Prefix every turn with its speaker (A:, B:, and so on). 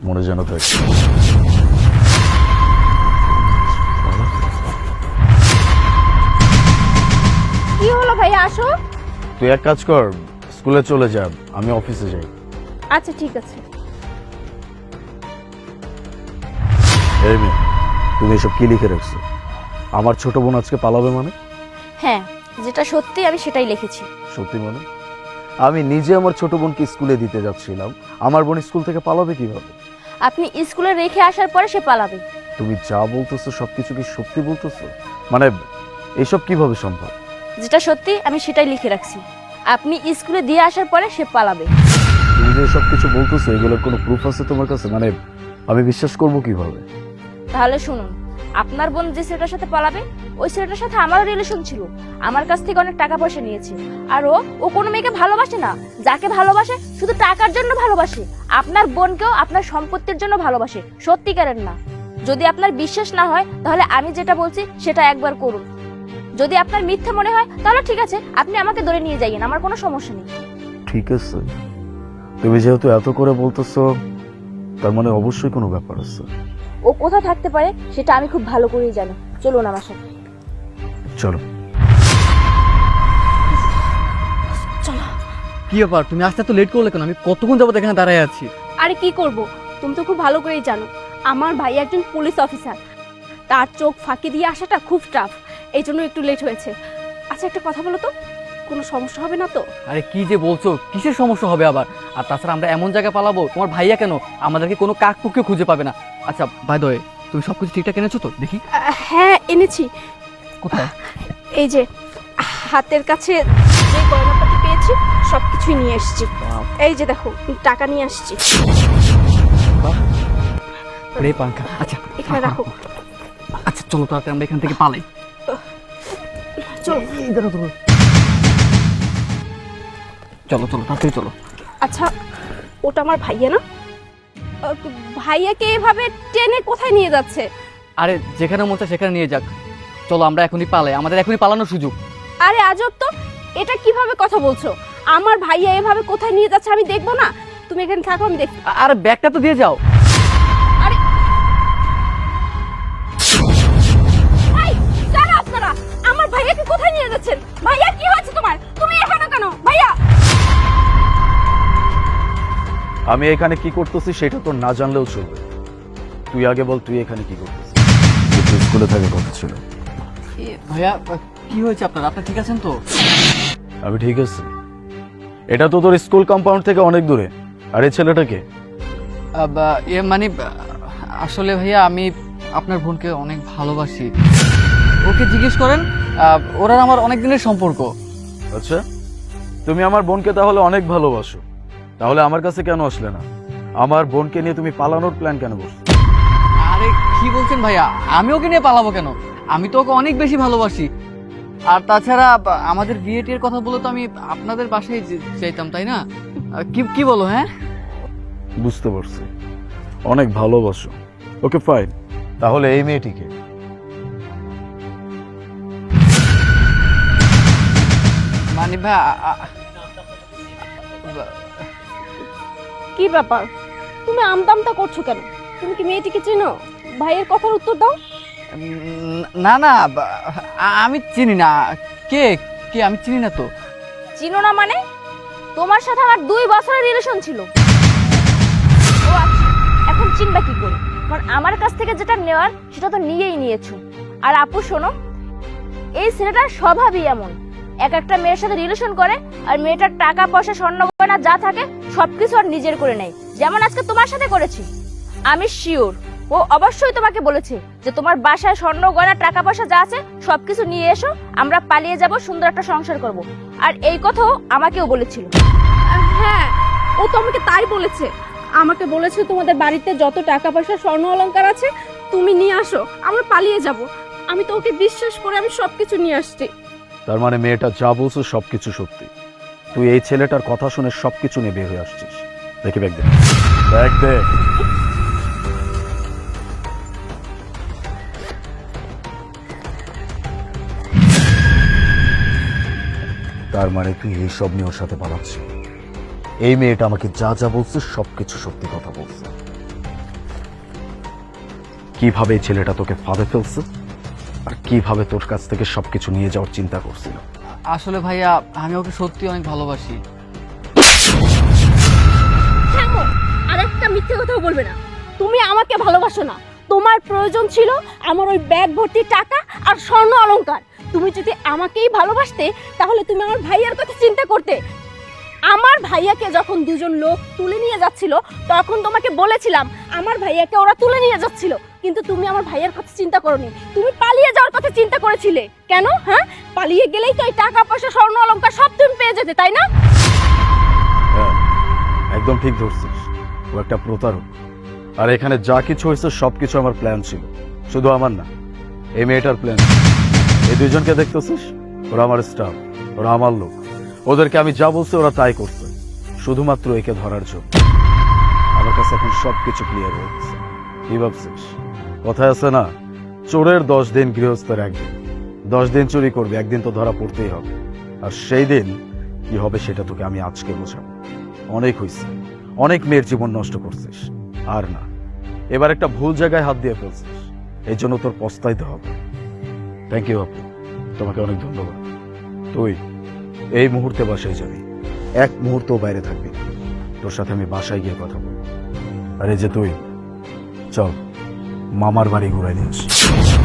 A: মনে যেন থাকে।
B: কি হলো ভাইয়া, আসো।
A: তুই এক কাজ কর, স্কুলে চলে যা, আমি অফিসে যাই।
B: আচ্ছা ঠিক আছে।
A: এই মেয়ে, তুমি এসব কি লিখে রাখছো? আমার ছোট বোন আজকে পালাবে মানে?
B: হ্যাঁ, যেটা সত্যি আমি সেটাই লিখেছি।
A: সত্যি মানে? আমি নিজে আমার ছোট বোনকে স্কুলে দিতে যাচ্ছিলাম, আমার বোন স্কুল থেকে পালাবে কিভাবে?
B: আপনি স্কুলে রেখে আসার পরে সে পালাবে।
A: তুমি যা বলতেছো সবকিছু কি সত্যি বলতেছো? মানে এসব কিভাবে সম্ভব?
B: যেটা সত্যি আমি সেটাই লিখে রাখছি। আপনি স্কুলে দিয়ে আসার পরে সে পালাবে।
A: তুমি যে সবকিছু বলতেছো এগুলোর কোনো প্রুফ আছে তোমার কাছে? মানে আমি বিশ্বাস করবো কিভাবে?
B: তাহলে শুনুন, আপনার বোন যে ছেলেটার সাথে পালাবে ওই ছেলেটার সাথে আমারও রিলেশন ছিল, আমার কাছ থেকে অনেক টাকা পয়সা নিয়েছে। আর ও কোনো মেয়েকে ভালোবাসে না, যাকে ভালোবাসে শুধু টাকার জন্য ভালোবাসে। আপনার বোনকেও আপনার সম্পত্তির জন্য ভালোবাসে, সত্যিকারের না। যদি আপনার বিশ্বাস না হয় তাহলে আমি যেটা বলছি সেটা একবার করুন। যদি আপনার মিথ্যা মনে হয় তাহলে ঠিক আছে, আপনি আমাকে ধরে নিয়ে যাইয়েন, আমার কোনো সমস্যা নেই।
A: ঠিক আছে, তুমি যেহেতু এত করে বলতেছো তার মানে অবশ্যই কোনো ব্যাপার আছে।
B: ও কোথায় থাকতে পারে সেটা আমি খুব ভালো করেই জানি। চলুন আমার সাথে।
A: চলো।
B: চলো।
C: কি ব্যাপার, তুমি আসতে তো লেট করলে কেন? আমি কতক্ষণ যাবত এখানে দাঁড়ায় আছি।
D: আরে কি করব, তুমি তো খুব ভালো করেই জানো আমার ভাই একজন পুলিশ অফিসার, তার চোখ ফাঁকি দিয়ে আসাটা খুব টাফ, এই জন্য একটু লেট হয়েছে। আচ্ছা একটা কথা বলো তো, কোনো সমস্যা হবে না তো?
C: আরে কি যে বলছো, কিসের সমস্যা হবে আবার? আর তাছাড়া আমরা এমন জায়গায় পালাবো, তোমার ভাইয়া কেন আমাদেরকে কোনো কাকপুকে খুঁজে পাবে না। আচ্ছা বাই দ্য ওয়ে, তুমি সবকিছু ঠিকঠাক এনেছো তো? দেখি।
D: হ্যাঁ এনেছি।
C: কোথায়?
D: এই যে হাতের কাছে যে গয়নাপাতি পেয়েছি সবকিছুই নিয়ে এসেছি। এই যে দেখো টাকা নিয়ে আসছি,
C: রে পাঙ্খা। আচ্ছা
D: এখানে রাখো।
C: আচ্ছা চলো তাড়াতাড়ি আমরা এখান থেকে পালাই।
D: চলো।
C: চলো চলো তাড়াতাড়ি চলো।
D: আচ্ছা ওটা আমার ভাইয়া না? ভাইয়াকে এভাবে টেনে কোথায় নিয়ে যাচ্ছে?
C: আরে যেখানে মন চায় সেখানে নিয়ে যাক, চলো আমরা এখনই পালাই, আমাদের এখনই পালানোর সুযোগ।
D: আরে আজব তো, এটা কিভাবে কথা বলছো? আমার ভাইয়া এভাবে কোথায় নিয়ে যাচ্ছে আমি দেখবো না? তুমি এখানে থাকো, আমি দেখছি।
C: আরে ব্যাগটা তো দিয়ে যাও।
D: আরে এই, কারা আপনারা? আমার ভাইয়াকে কোথায় নিয়ে যাচ্ছেন? ভাইয়া কি হয়েছে তোমার? তুমি এখানে কেন ভাইয়া?
A: আমি এখানে কি করতেছি সেটা তো না জানলেও চলবে। তুই আগে বল, তুই এখানে কি করতেছিস? তুই স্কুলে থাকার কথা ছিল।
C: ভাইয়া কি হয়েছে আপনার? আপনি ঠিক আছেন তো?
A: আমি ঠিক আছি। এটা তো তোর স্কুল কম্পাউন্ড থেকে অনেক দূরে। আর এই ছেলেটাকে?
C: মানে আসলে ভাইয়া আমি আপনার বোনকে অনেক ভালোবাসি। ওকে জিজ্ঞেস করেন, ওরা আমার অনেক দিনের সম্পর্ক।
A: আচ্ছা, তুমি আমার বোনকে তাহলে অনেক ভালোবাসো, তাহলে আমার কাছে কেন আসলে না? আমার বোনকে নিয়ে তুমি পালানোর প্ল্যান কেন করছো?
C: আরে কি বলছেন ভাইয়া, আমি ওকে নিয়ে পালাবো কেন? আমি তো ওকে অনেক বেশি ভালোবাসি। আর তাছাড়া আমাদের বিয়ে টিয়ের কথা বলে তো আমি আপনাদের বাসায় চাইতাম, তাই না? কি কি বলো? হ্যাঁ
A: বুঝতে পারছি, অনেক ভালোবাসো। ওকে ফাইন, তাহলে এই মেয়েটিকে?
C: মানে ভাই
D: কি ব্যাপার, তুমি আমদামটা করছো কেন? তুমি কি মেয়েটিকে চেনো? ভাইয়ের কথার উত্তর দাও।
C: না না, আমি চিনি না। কে কে আমি চিনি না তো।
B: চিনো না মানে? তোমার সাথে আমার 2 বছরের রিলেশন ছিল। ও আচ্ছা, এখন চিনবা কি করে? কারণ আমার কাছ থেকে যেটা নেওয়ার সেটা তো নিয়েই নিয়েছো। আর আপু শোনো, এই ছেলেটার স্বভাবই এমন, এক একটা মেয়ের সাথে রিলেশন করে আর মেয়েটার টাকা পয়সা স্বর্ণ গয়না যা থাকে সবকিছু আর নিজের করে নেয়, যেমন আজকে তোমার সাথে করেছি। আমি শিওর ও অবশ্যই তোমাকে বলেছে যে তোমার বাসায় স্বর্ণ গয়না টাকা পয়সা যা আছে সবকিছু নিয়ে এসো, আমরা পালিয়ে যাব, সুন্দর একটা সংসার করব। আর এই কথাও আমাকেও বলেছিল।
D: হ্যাঁ, ও তো আমাকে তাই বলেছে। আমাকে বলেছে তোমাদের বাড়িতে যত টাকা পয়সা স্বর্ণ অলংকার আছে তুমি নিয়ে আসো, আমরা পালিয়ে যাব। আমি তো ওকে বিশ্বাস করে আমি সবকিছু নিয়ে আসছি।
A: তার মানে মেয়েটা যা বলছো সবকিছু সত্যি। তুই এই ছেলেটার কথা শুনে সবকিছু নিয়ে বের হয়ে আসছিস। দেখি ব্যাগ দে, ব্যাগ দে। তার মানে তুই এইসব নিয়ে ওর সাথে পালাচ্ছিস? এই মেয়েটা আমাকে যা যা বলছে সবকিছু সত্যি কথা বলছে। কিভাবে এই ছেলেটা তোকে ফাঁদে ফেলছে আর কিভাবে তোর কাছ থেকে সবকিছু নিয়ে যাওয়ার চিন্তা করছিল।
C: আসলে ভাইয়া আমি ওকে সত্যি অনেক ভালোবাসি।
D: থামো, আর একটা মিথ্যে কথাও বলবে না। তুমি আমাকে ভালোবাসো না, তোমার প্রয়োজন ছিল আমার ওই ব্যাগ ভর্তি টাকা আর স্বর্ণ অলংকার। তুমি যদি আমাকেই ভালোবাসতে তাহলে তুমি আমার ভাইয়ার কথা চিন্তা করতে। আমার ভাইয়াকে যখন দুজন লোক তুলে নিয়ে যাচ্ছিল তখন তোমাকে বলেছিলাম আমার ভাইয়াকে ওরা তুলে নিয়ে যাচ্ছিল, কিন্তু তুমি আমার ভাইয়ার কথা চিন্তা করোনি, তুমি পালিয়ে যাওয়ার কথা চিন্তা করেছিলে। কেন? হ্যাঁ, পালিয়ে গেলেই তো এই টাকা পয়সা স্বর্ণ অলংকার সব তুমি পেয়ে যেতে, তাই না?
A: হ্যাঁ, একদম ঠিক ধরছিস। ও একটা প্রতারক। আর এখানে যা কিছু হয়েছে সবকিছু আমার প্ল্যান ছিল, শুধু আমার না, এই মেয়েটার প্ল্যান। এই দুইজনকে দেখতেছিস, ওরা আমার স্টাফ, ওরা আমার লোক। ওদেরকে আমি যা বলছি ওরা তাই করছে, শুধুমাত্র একে ধরার জন্য। আমার কাছে এখন সবকিছু ক্লিয়ার হয়ে গেছে। কি ভাবছিস? কথায় আছে না, চোরের 10 দিন, গৃহস্থের 1 দিন। 10 দিন চুরি করবে, একদিন তো ধরা পড়তেই হবে। আর সেই দিন কি হবে সেটা তোকে আমি আজকে বোঝাবো। অনেক হয়েছে, অনেক মেয়ের জীবন নষ্ট করছিস, আর না, এবার একটা ভুল জায়গায় হাত দিয়ে ফেলছিস, এই জন্য তোর পস্তাইতে হবে। থ্যাংক ইউ আপু, তোমাকে অনেক ধন্যবাদ। তুই এই মুহূর্তে বাসায় যাবি, 1 মুহূর্ত বাইরে থাকবি না। তোর সাথে আমি বাসায় গিয়ে কথা বলবো। আর এই যে তুই, চল মামার বাড়ি ঘুরাই নিয়ে আসি।